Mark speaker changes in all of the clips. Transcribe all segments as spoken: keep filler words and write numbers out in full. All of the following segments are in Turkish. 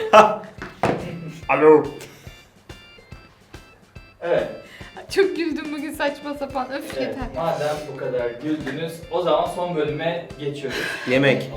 Speaker 1: Alo.
Speaker 2: Evet.
Speaker 3: Çok güldüm bugün saçma sapan. Öf
Speaker 2: Evet,
Speaker 3: yeter.
Speaker 2: madem bu kadar güldünüz, o zaman son bölüme geçiyoruz.
Speaker 4: Yemek.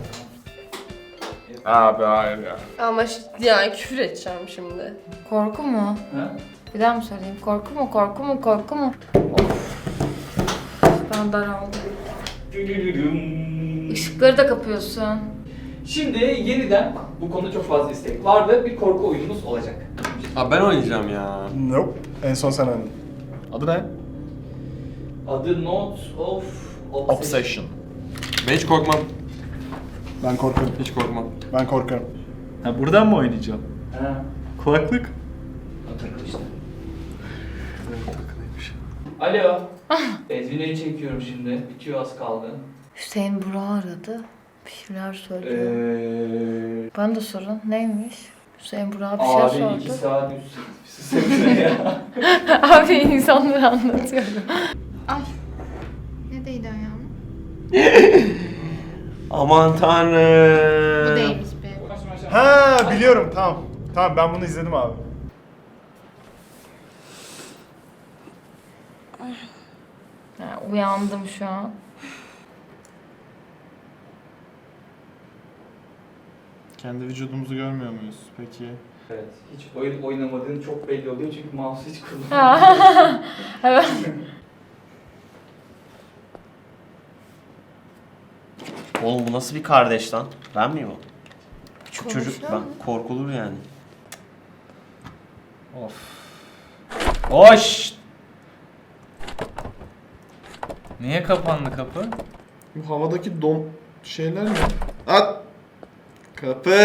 Speaker 1: Abi hayır ya.
Speaker 5: Ama ş- yani küfür edeceğim şimdi.
Speaker 3: Korku mu?
Speaker 2: Ha?
Speaker 3: Bir daha mı söyleyeyim? Korku mu? Korku mu? Korku mu? Of. Ben daraldım.
Speaker 2: Dülülülüm.
Speaker 3: Işıkları da kapıyorsun.
Speaker 2: Şimdi yeniden bu konuda çok fazla istek vardı. Bir korku oyunumuz olacak.
Speaker 4: Abi ben oynayacağım ya.
Speaker 1: Nope. En son sen oynadın. Adı ne?
Speaker 2: Adı Note of Obsession.
Speaker 1: Obsession.
Speaker 4: Ben hiç korkmam.
Speaker 1: Ben korkarım.
Speaker 4: Hiç korkmam.
Speaker 1: Ben korkarım.
Speaker 6: Ha buradan mı oynayacağım?
Speaker 2: Ha,
Speaker 6: Kulaklık.
Speaker 2: hatırlı işte.
Speaker 4: Takılıymış.
Speaker 2: Alo. Ezgi'yi çekiyorum şimdi. Bitiyor, az kaldı.
Speaker 3: Hüseyin Burak'ı aradı. Bir şeyler söylüyor.
Speaker 2: Eee...
Speaker 3: Bana da sorun. Neymiş? Hüseyin Burak'a bir şey
Speaker 2: Abi iki
Speaker 3: sordu.
Speaker 2: saat üst üste ya.
Speaker 3: Abi insanları anlatıyorum. Ay. Ne değdi ayağıma?
Speaker 4: Aman tanrım.
Speaker 3: Bu değmiş be.
Speaker 1: Ha biliyorum tamam. Tamam ben bunu izledim abi.
Speaker 3: Ha, uyandım şu an.
Speaker 1: Kendi vücudumuzu görmüyor muyuz peki?
Speaker 2: Evet, hiç oyun oynamadığın çok belli oluyor çünkü mouse hiç kullanmıyorsun.
Speaker 3: Evet.
Speaker 4: Oğlum bu nasıl bir kardeş lan? Ben miyim o? Küçük
Speaker 3: Konuşuyor
Speaker 4: çocuk ben.
Speaker 3: mu?
Speaker 4: Korkulur yani. Of. Hoş.
Speaker 6: Niye kapandı kapı?
Speaker 7: Bu havadaki dom şeyler ne? At! Kapı!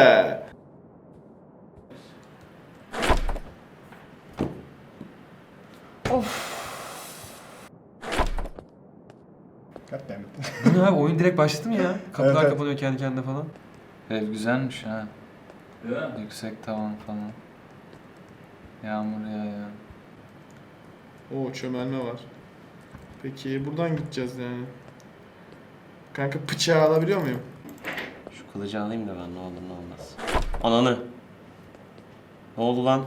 Speaker 1: Goddammit.
Speaker 4: Bu ne abi? Oyun direkt başladı mı ya? Kapılar
Speaker 1: Evet, evet.
Speaker 4: kapanıyor kendi kendine falan.
Speaker 6: Ev güzelmiş ha.
Speaker 2: Değil mi?
Speaker 6: Yüksek tavan falan. Yağmur yağıyor.
Speaker 7: Oo çömelme var. Peki buradan gideceğiz yani. Kanka bıçağı alabiliyor muyum?
Speaker 4: Şu kılıcı alayım da ben ne olur ne olmaz. Ananı. Ne oldu lan?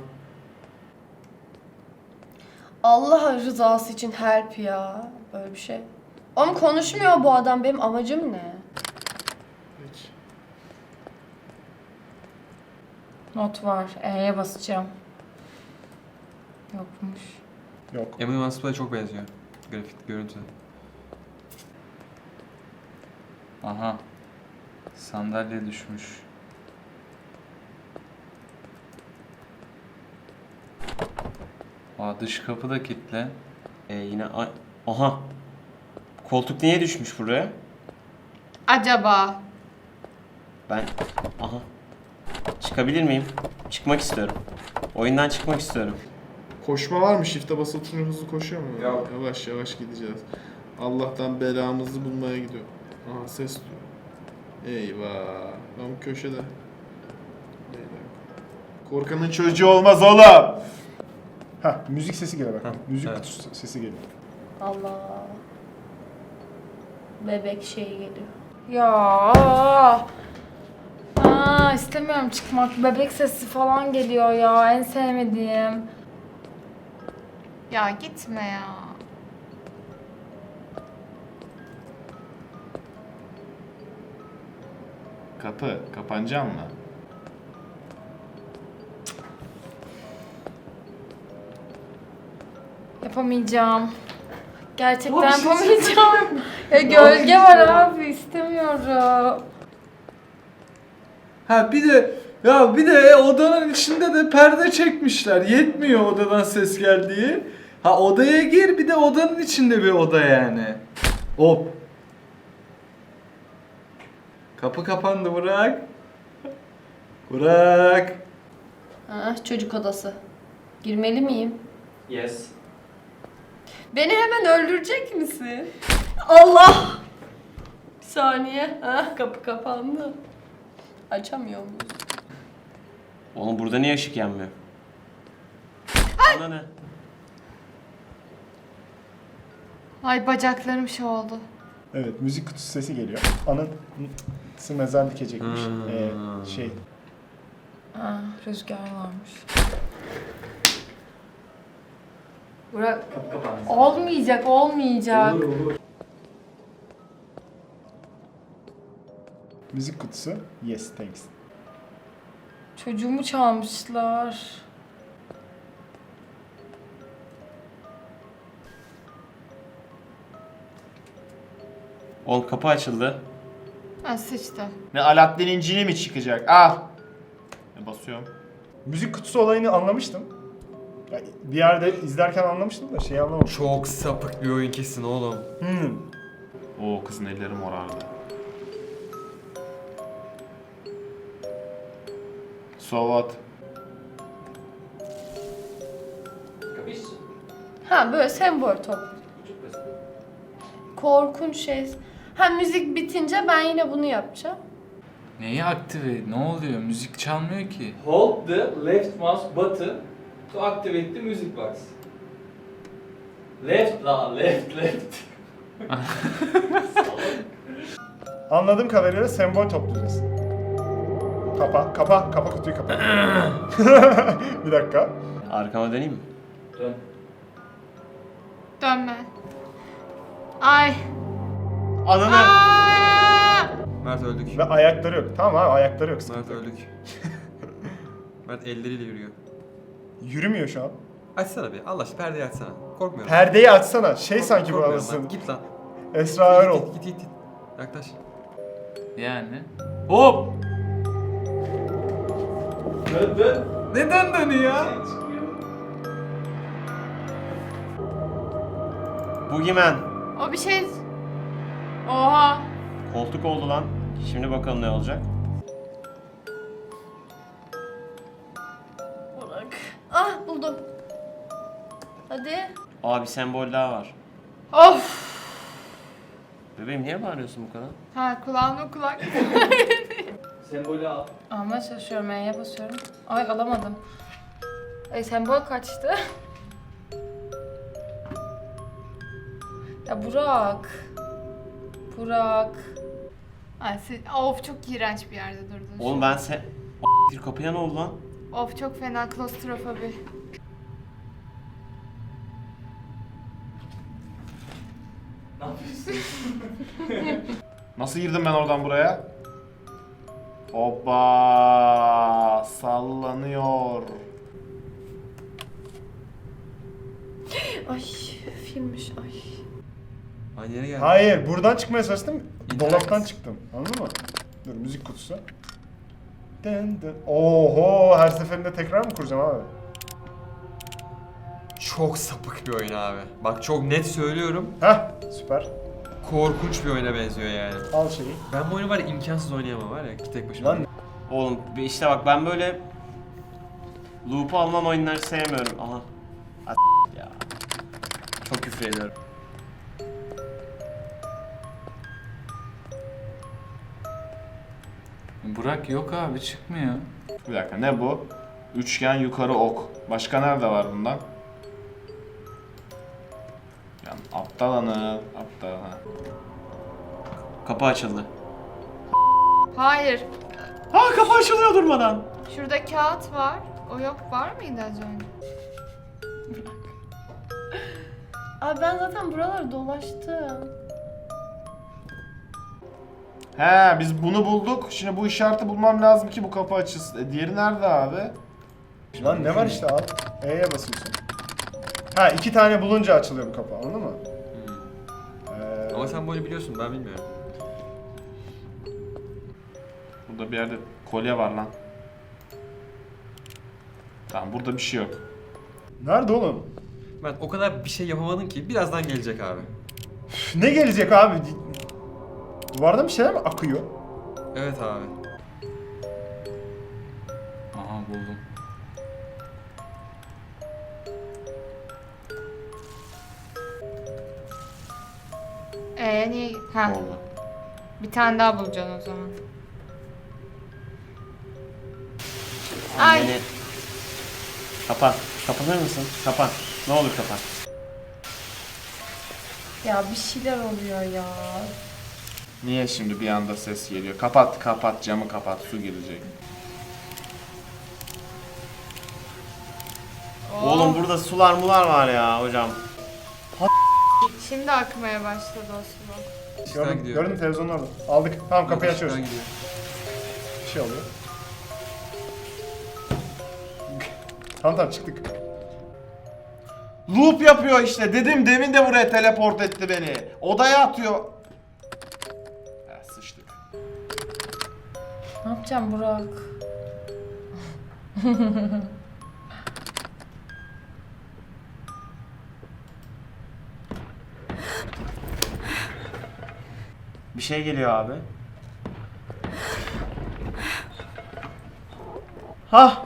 Speaker 5: Allah rızası için help ya. Böyle bir şey. Ama konuşmuyor bu adam. Benim amacım ne?
Speaker 7: Peki.
Speaker 3: Not var. E'ye basacağım. Yokmuş.
Speaker 1: Yok.
Speaker 4: Emily Van Splay'e çok benziyor. Grafik, görüntü.
Speaker 6: Aha. Sandalye düşmüş. Aa, dış kapı da kilitli.
Speaker 4: Ee, yine ay... Aha. Koltuk niye düşmüş buraya?
Speaker 3: Acaba?
Speaker 4: Ben... Aha. Çıkabilir miyim? Çıkmak istiyorum. Oyundan çıkmak istiyorum.
Speaker 7: Koşma var mı? Shift'e basılı tutunca hızlı koşuyor mu?
Speaker 2: Yok.
Speaker 7: Yavaş yavaş gideceğiz. Allah'tan belamızı bulmaya gidiyor. Aha ses duyuyor. Eyvah. Ben bu köşede. Eyvah. Korkanın çocuğu olmaz oğlum.
Speaker 1: Ha müzik sesi geliyor bak.
Speaker 4: Ha,
Speaker 1: Müzik
Speaker 4: evet.
Speaker 1: kutusu sesi geliyor.
Speaker 5: Allah. Bebek şeyi geliyor.
Speaker 3: Ya. Aa, istemiyorum çıkmak. Bebek sesi falan geliyor ya. En sevmediğim. Ya gitme ya.
Speaker 7: Kapı. Kapanacak mı?
Speaker 3: Yapamayacağım. Gerçekten
Speaker 2: Abi, şey
Speaker 3: yapamayacağım. Ya gölge var abi, istemiyorum.
Speaker 6: Ha bir de ya bir de odanın içinde de perde çekmişler. Yetmiyor odadan ses geldiği. Ha odaya gir, bir de odanın içinde bir oda yani. Hop. Kapı kapandı, bırak. Bırak.
Speaker 5: Ha, çocuk odası. Girmeli miyim?
Speaker 2: Yes.
Speaker 5: Beni hemen öldürecek misin? Allah! Bir saniye. Ha, kapı kapandı. Açamıyor muyuz?
Speaker 4: Oğlum burada niye ışık yanmıyor? Ana ne?
Speaker 3: Ay bacaklarım şey oldu.
Speaker 1: Evet müzik kutusu sesi geliyor. Anası mezar dikecekmiş.
Speaker 4: Hmm.
Speaker 1: Ee, şey
Speaker 3: Ha, rüzgar varmış. Burak
Speaker 2: Kapı kapandı.
Speaker 3: olmayacak, olmayacak.
Speaker 2: Olur olur.
Speaker 1: Müzik kutusu. Yes, thanks.
Speaker 3: Çocuğumu çalmışlar.
Speaker 4: Oğlum kapı açıldı.
Speaker 3: Ha sıçtı.
Speaker 7: Ne Aladdin'in cini mi çıkacak? Al. E, basıyorum.
Speaker 1: Müzik kutusu olayını anlamıştım. Ya, bir yerde izlerken anlamıştım da şeyi anlamamıştım.
Speaker 8: Çok sapık bir oyun kesin oğlum.
Speaker 1: Hmm.
Speaker 7: Oo kızın elleri morardı. So what?
Speaker 2: Kapış.
Speaker 5: Ha böyle sembol top.
Speaker 2: Çok basit.
Speaker 5: Korkunç şey. Ha müzik bitince ben yine bunu yapacağım.
Speaker 6: Neyi aktive? Ne oluyor? Müzik çalmıyor ki.
Speaker 2: Hold the left mouse button to activate the music box. Left la left left.
Speaker 1: Anladığım kadarıyla sembol toplayacağız. Kapa, kapa, kapa kutuyu kapa. Bir dakika.
Speaker 4: Arkama döneyim mi?
Speaker 2: Dön.
Speaker 3: Dönme. Ay.
Speaker 4: Ananı!
Speaker 3: Aa!
Speaker 8: Mert öldük.
Speaker 1: Ve ayakları yok. Tamam abi ayakları yok.
Speaker 8: Mert öldük. Mert elleriyle yürüyor.
Speaker 1: Yürümüyor şu an.
Speaker 8: Açsana bir. Allah aşkına perdeyi açsana. Korkmuyorum.
Speaker 1: Perdeyi açsana. Şey
Speaker 8: Kork-
Speaker 1: sanki bu
Speaker 8: korkmuyorum
Speaker 1: anasını.
Speaker 8: lan. Git lan.
Speaker 1: Esra Erol.
Speaker 8: Git git git. git. Yaklaş.
Speaker 6: Yani. Hop!
Speaker 2: Dön dön.
Speaker 6: Neden dönüyor?
Speaker 4: Boogeyman.
Speaker 3: O bir şey... Oha.
Speaker 4: Koltuk oldu lan. Şimdi bakalım ne olacak.
Speaker 5: Burak. Ah buldum. Hadi.
Speaker 4: Aa bir sembol daha var.
Speaker 3: Of.
Speaker 4: Bebeğim niye bağırıyorsun bu kadar?
Speaker 3: Ha kulağımda kulak.
Speaker 2: Sembolü al.
Speaker 3: Almaya çalışıyorum, E'ye basıyorum. Ay alamadım. Ay sembol kaçtı. Ya Burak. Burak.
Speaker 9: Ay, sen- of çok iğrenç bir yerde durdun.
Speaker 4: Oğlum ben sen... Bir kapıya ne oldu lan?
Speaker 9: Of çok fena klostrofobi.
Speaker 2: Ne yapıyorsun?
Speaker 7: Nasıl girdim ben oradan buraya? Hoppa sallanıyor.
Speaker 5: Ay filmmiş ay.
Speaker 8: Aynı yere geldi.
Speaker 1: Hayır, buradan çıkmaya çalıştım.
Speaker 8: İnternet.
Speaker 1: Dolaptan çıktım. Anladın mı? Dur müzik kutusu. Den den. Oho, her seferinde tekrar mı kuracağım abi?
Speaker 8: Çok sapık bir oyun abi. Bak çok net söylüyorum.
Speaker 1: Heh, süper.
Speaker 8: Korkunç bir oyuna benziyor yani.
Speaker 1: Al şeyi.
Speaker 8: Ben bu oyunu var ya imkansız oynayamam var ya tek başıma.
Speaker 1: Lan
Speaker 4: Oğlum bir işte bak ben böyle... Loop'u alınan oyunları sevmiyorum. Aha. A- ya. Çok küfür ediyorum.
Speaker 6: Burak yok abi çıkmıyor.
Speaker 7: Bir dakika ne bu? Üçgen yukarı ok. Başka nerede var bundan? Yani aptal anı, aptal anı.
Speaker 4: Kapı açıldı.
Speaker 9: Hayır.
Speaker 4: Aa kapı açılıyor durmadan.
Speaker 9: Şurada kağıt var. O yok var mıydı az önce?
Speaker 5: Abi ben zaten buraları dolaştım.
Speaker 7: He biz bunu bulduk. Şimdi bu işareti bulmam lazım ki bu kapı açılsın. E, diğeri nerede abi?
Speaker 1: lan ne var işte al. E'ye basıyorsun. Ha iki tane bulunca açılıyor bu kapı anladın mı? Ee,
Speaker 8: Ama sen bu oyunu biliyorsun ben bilmiyorum.
Speaker 7: Burada bir yerde kolye var lan. Tamam burada bir şey yok.
Speaker 1: Nerede oğlum?
Speaker 8: Mert o kadar bir şey yapamadın ki birazdan gelecek abi.
Speaker 1: Üf, ne gelecek abi? Duvardan bir şeyler mi akıyor?
Speaker 8: Evet abi.
Speaker 6: Aha buldum.
Speaker 9: Ee niye? Ha.
Speaker 4: Oldu.
Speaker 9: Bir tane daha bulacaksın o zaman. Ay.
Speaker 4: Anneni... Kapan. Kapanır mısın? Kapan. Ne olur kapan.
Speaker 5: Ya bir şeyler oluyor ya.
Speaker 7: Niye şimdi bir anda ses geliyor? Kapat kapat camı kapat su girecek.
Speaker 9: Oh,
Speaker 4: Oğlum burada sular mular var ya hocam.
Speaker 9: Şimdi akmaya başladı o su.
Speaker 8: İşten
Speaker 1: Gördün,
Speaker 8: gidiyor.
Speaker 1: gördün mü televizyonun orada? Aldık. Tamam kapıyı
Speaker 8: İşten
Speaker 1: açıyoruz.
Speaker 8: gidiyor.
Speaker 1: Bir şey oluyor. Tamam tamam çıktık.
Speaker 7: Loop yapıyor işte. Dedim demin de buraya teleport etti beni. Odaya atıyor. Ya sıçtık.
Speaker 3: Ne yapacağım Burak?
Speaker 4: Bir şey geliyor abi. Hah.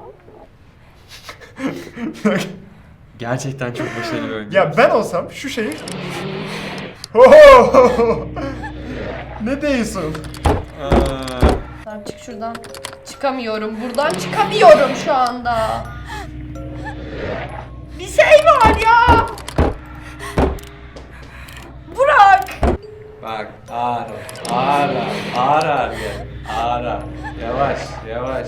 Speaker 8: Gerçekten çok başarılı bir oyun.
Speaker 1: Ya ben olsam şu şeyi... Oho! Ne diyorsun?
Speaker 5: Tamam çık şuradan. Çıkamıyorum. Buradan çıkamıyorum şu anda. Bir şey var ya. Burak.
Speaker 6: Bak ağır ağır ağır ağır gel. Ağır ağır. Yavaş yavaş.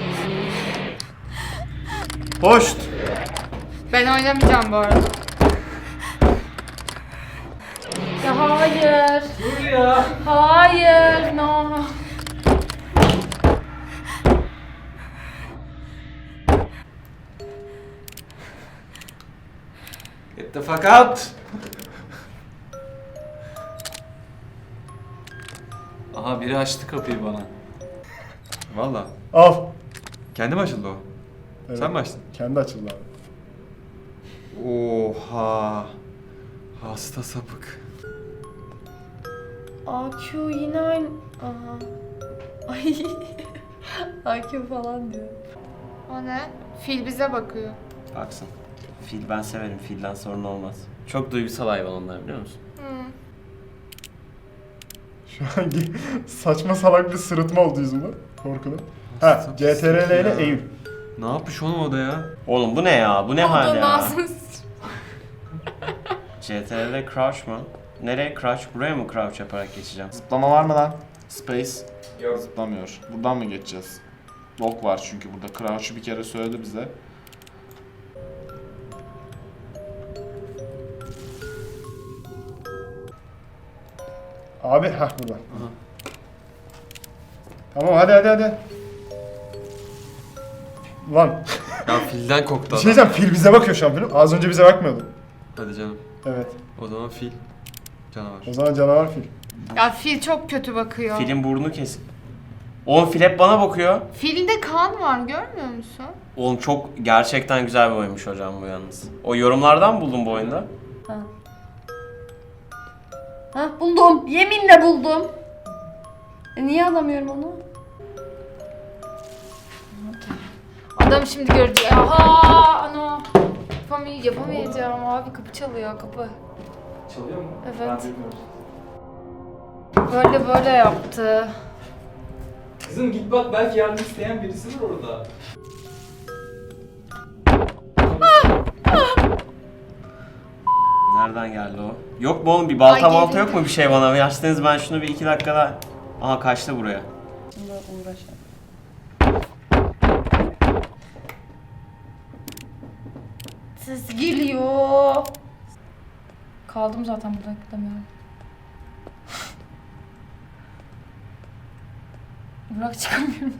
Speaker 1: Hoşt!
Speaker 9: Ben oynamayacağım bu arada.
Speaker 3: Ya hayır.
Speaker 2: Dur ya.
Speaker 3: Hayır. No.
Speaker 6: Get the fuck out. Aha biri açtı kapıyı bana.
Speaker 8: Valla.
Speaker 1: Al.
Speaker 8: Kendi mi açıldı o?
Speaker 1: Evet.
Speaker 8: Sen mi açtın?
Speaker 1: Kendi açıldı abi.
Speaker 8: Oha. Hasta sapık.
Speaker 5: A Q yine aynı. Aha. Ay. A Q falan diyor.
Speaker 9: O ne? Fil bize bakıyor.
Speaker 4: Baksın. Fil ben severim. Filden sorun olmaz. Çok duygusal hayvan onlar biliyor musun?
Speaker 9: Hı.
Speaker 1: Şu an saçma salak bir sırıtma oldu yüzümde. Korkudan. Ha, C T R L ile
Speaker 8: Ya.
Speaker 1: Eylül.
Speaker 8: Ne yapmış oğlum o da ya?
Speaker 4: Oğlum bu ne ya? Bu ne hal
Speaker 9: Olduğum
Speaker 4: ya?
Speaker 9: ağzını
Speaker 4: C T R L crouch mu? Nereye crouch? Buraya mı crouch yaparak geçeceğim?
Speaker 7: Zıplama var mı lan? Space.
Speaker 2: Yok.
Speaker 7: Zıplamıyor. Buradan mı geçeceğiz? Lock var çünkü burada. Crouch'u bir kere söyledi bize.
Speaker 1: Abi ha burada. Tamam hadi hadi hadi. Lan.
Speaker 8: Ya filden koktu
Speaker 1: Bir
Speaker 8: adam.
Speaker 1: şey diyeceğim, fil bize bakıyor şu an film. Az önce bize bakmıyordu.
Speaker 8: Hadi canım.
Speaker 1: Evet.
Speaker 8: O zaman fil. Canavar.
Speaker 1: O zaman canavar fil.
Speaker 9: Ya fil çok kötü bakıyor.
Speaker 4: Filin burnu kesik. Oğlum fil hep bana bakıyor.
Speaker 9: Filde kan var görmüyor musun?
Speaker 4: Oğlum çok gerçekten güzel bir oyunmuş hocam bu yalnız. O yorumlardan mı buldun bu oyunda?
Speaker 5: Ha. Ha buldum. Yeminle buldum. E, niye alamıyorum onu?
Speaker 3: Adam şimdi görecek. Aha, ano. Yapamay yapamayacağım abi. Kapı çalıyor, kapı.
Speaker 2: Çalıyor mu?
Speaker 3: Evet.
Speaker 2: Ben bilmiyorum.
Speaker 3: Böyle böyle yaptı.
Speaker 2: Kızım git bak belki yardım isteyen birisi var orada.
Speaker 4: Nereden geldi o? Yok mu oğlum bir balta
Speaker 9: Ay,
Speaker 4: balta
Speaker 9: geldi.
Speaker 4: yok mu bir şey bana? Açtınız ben şunu bir iki dakikada... Aha kaçtı buraya.
Speaker 5: Şimdi uğraşalım. Ses geliyor.
Speaker 3: Kaldım zaten burada, gidemiyorum. Burak çıkamıyorum.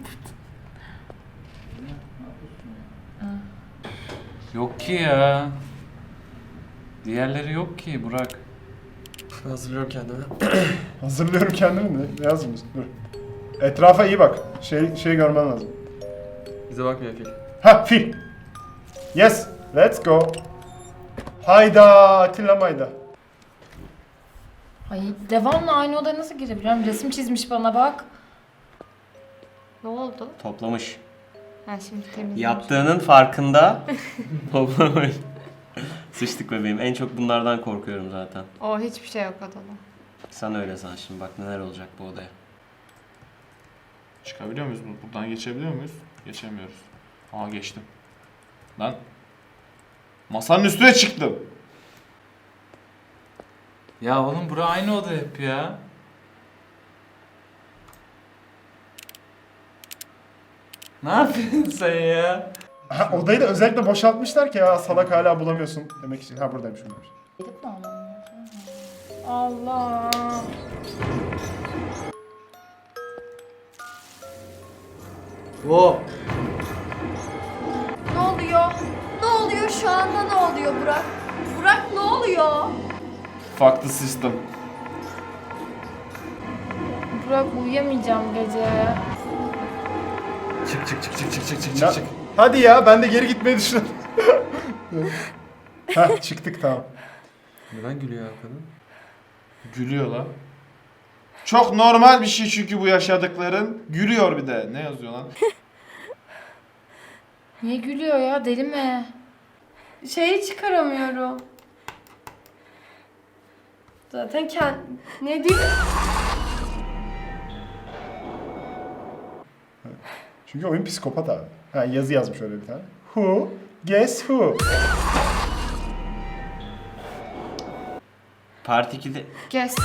Speaker 6: Yok ki ya. Diğerleri yok ki Burak.
Speaker 8: Ben hazırlıyorum kendimi.
Speaker 1: Hazırlıyorum kendimi de. Ne yazmış? Dur. Etrafa iyi bak. Şey şey görmen lazım.
Speaker 8: Bize bakmıyor fil.
Speaker 1: Ha fil. Yes. Let's go. Hayda Atilla Mayda.
Speaker 3: Ay devamlı aynı odaya nasıl girebilirim? Resim çizmiş bana bak.
Speaker 9: Ne oldu?
Speaker 4: Toplamış.
Speaker 9: Ha şimdi temizlemiş.
Speaker 4: Yaptığının farkında. Toplamış. Sıçtık bebeğim. En çok bunlardan korkuyorum zaten.
Speaker 9: O hiçbir şey yok odada.
Speaker 4: Sen öyle san şimdi bak neler olacak bu odaya.
Speaker 7: Çıkabiliyor muyuz? Buradan geçebiliyor muyuz? Geçemiyoruz. Aa geçtim. Lan. Masanın üstüne çıktım.
Speaker 6: Ya oğlum bura aynı oda hep ya. Ne yapıyorsun sen ya?
Speaker 1: Ha, odayı da özellikle boşaltmışlar ki ya salak hala bulamıyorsun demek için. Ha buradaymış bunlar.
Speaker 3: Gidip mi alalım? Allah.
Speaker 6: O.
Speaker 5: Ne oluyor? Ne oluyor şu anda ne oluyor Burak? Burak ne oluyor?
Speaker 8: Fuck the system.
Speaker 3: Burak uyuyamayacağım gece.
Speaker 8: Çık çık çık çık çık çık çık
Speaker 1: Ya,
Speaker 8: çık.
Speaker 1: hadi ya ben de geri gitmeyi düşünüyorum. Ha çıktık tamam.
Speaker 8: Neden gülüyor ya kadın?
Speaker 7: Gülüyor lan. Çok normal bir şey çünkü bu yaşadıkların. Gülüyor bir de. Ne yazıyor lan?
Speaker 3: Niye gülüyor ya? Deli mi?
Speaker 5: Şeyi çıkaramıyorum. Zaten kend... Ne diyor?
Speaker 1: Çünkü oyun psikopat abi. Ha yazı yazmış öyle bir tane. Who? Guess who?
Speaker 4: Part ikide
Speaker 9: Kes.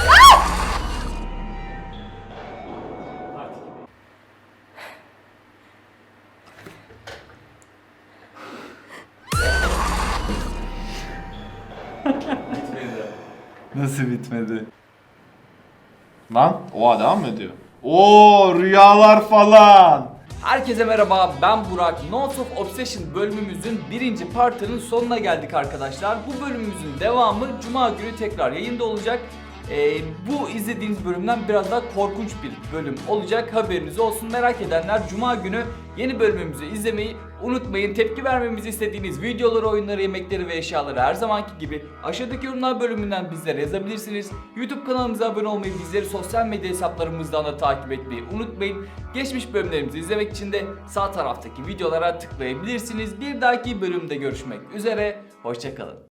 Speaker 6: Nasıl bitmedi?
Speaker 7: Lan oha devam mı ediyor? Oo rüyalar falan.
Speaker 2: Herkese merhaba, ben Burak. Notes of Obsession bölümümüzün birinci partının sonuna geldik arkadaşlar. Bu bölümümüzün devamı Cuma günü tekrar yayında olacak. Ee, bu izlediğiniz bölümden biraz daha korkunç bir bölüm olacak. Haberiniz olsun. Merak edenler Cuma günü yeni bölümümüzü izlemeyi unutmayın. Tepki vermemizi istediğiniz videoları, oyunları, yemekleri ve eşyaları her zamanki gibi aşağıdaki yorumlar bölümünden bizlere yazabilirsiniz. YouTube kanalımıza abone olmayı, bizleri sosyal medya hesaplarımızdan da takip etmeyi unutmayın. Geçmiş bölümlerimizi izlemek için de sağ taraftaki videolara tıklayabilirsiniz. Bir dahaki bölümde görüşmek üzere. Hoşça kalın.